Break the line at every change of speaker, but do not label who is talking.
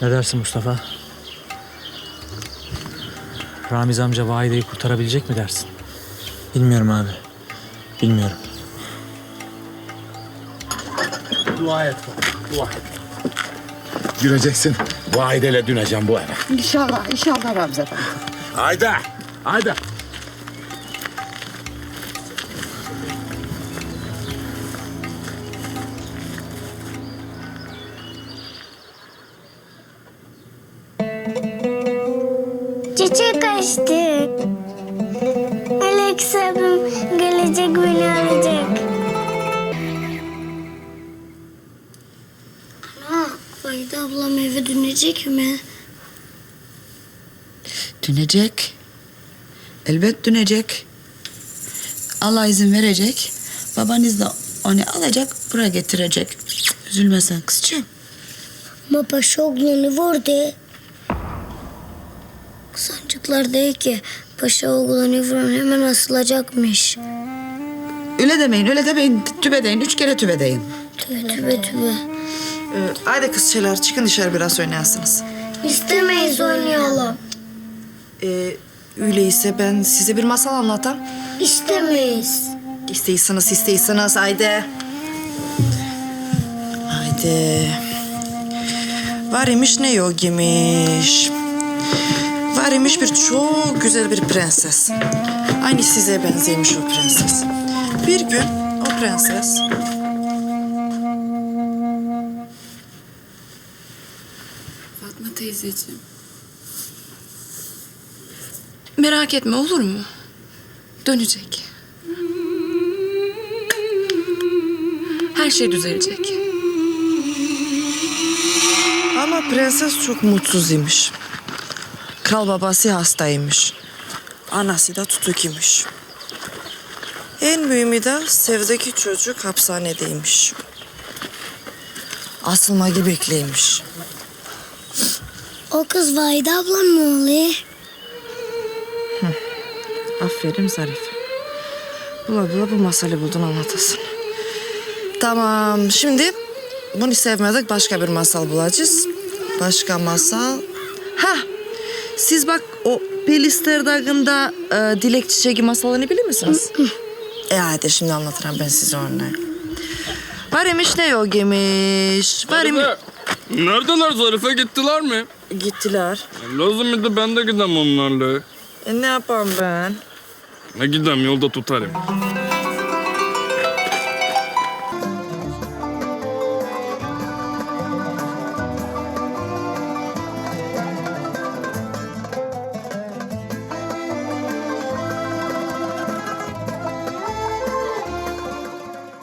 Ne dersin Mustafa? Ramiz amca Vahide'yi kurtarabilecek mi dersin?
Bilmiyorum abi. Bilmiyorum.
Dua et baba, dua et.
Gireceksin. Vahide'yle döneceğim bu eve.
İnşallah, inşallah Ramza Efendi.
Haydi. Haydi.
Çiçek açtı. Alex abim gelecek beni alacak. Ana, Vahide ablam eve dönecek mi?
Dönecek. Elbet dönecek. Allah izin verecek. Babanız da onu alacak, buraya getirecek. Üzülme sen kızcığım.
Ama paşa oğlanı vurdu. Sancaklar değil ki. Paşa oğlanı vuran hemen asılacakmış.
Öyle demeyin, öyle demeyin. Tübe deyin, 3 kere tübe deyin.
Tübe tübe.
Haydi kızçeler çıkın dışarı biraz oynayasınız.
İstemeyiz oynayalım.
Öyleyse ben size bir masal anlatam.
İstemeyiz.
İsteyseniz haydi. Haydi. Var imiş ne yok imiş. Var imiş bir çok güzel bir prenses. Aynı size benzeymiş o prenses. Bir gün o prenses...
Fatma teyzeciğim. Merak etme olur mu? Dönecek. Her şey düzelecek.
Ama prenses çok mutsuz imiş. Kral babası hastaymış. Anası da tutuk imiş. En mühimi de sevdeki çocuk hapishanedeymiş. Asılmayı bekleymiş.
O kız Vahide ablam mı oluyor?
Aferin Zarife. Bula bu masalı buldun anlatasın. Tamam şimdi bunu sevmedik başka bir masal bulacağız. Başka masal. Ha, siz bak o Pelister Dağı'nda Dilek Çiçeği masalını bilir misiniz? Hadi şimdi anlatırım ben size onu. Var imiş ne yok imiş. Var imiş.
Neredeler Zarife gittiler mi?
Gittiler.
Lazım idi ben de gidem onlarla.
Ne yapayım ben?
Ne gidem yolda tutarım.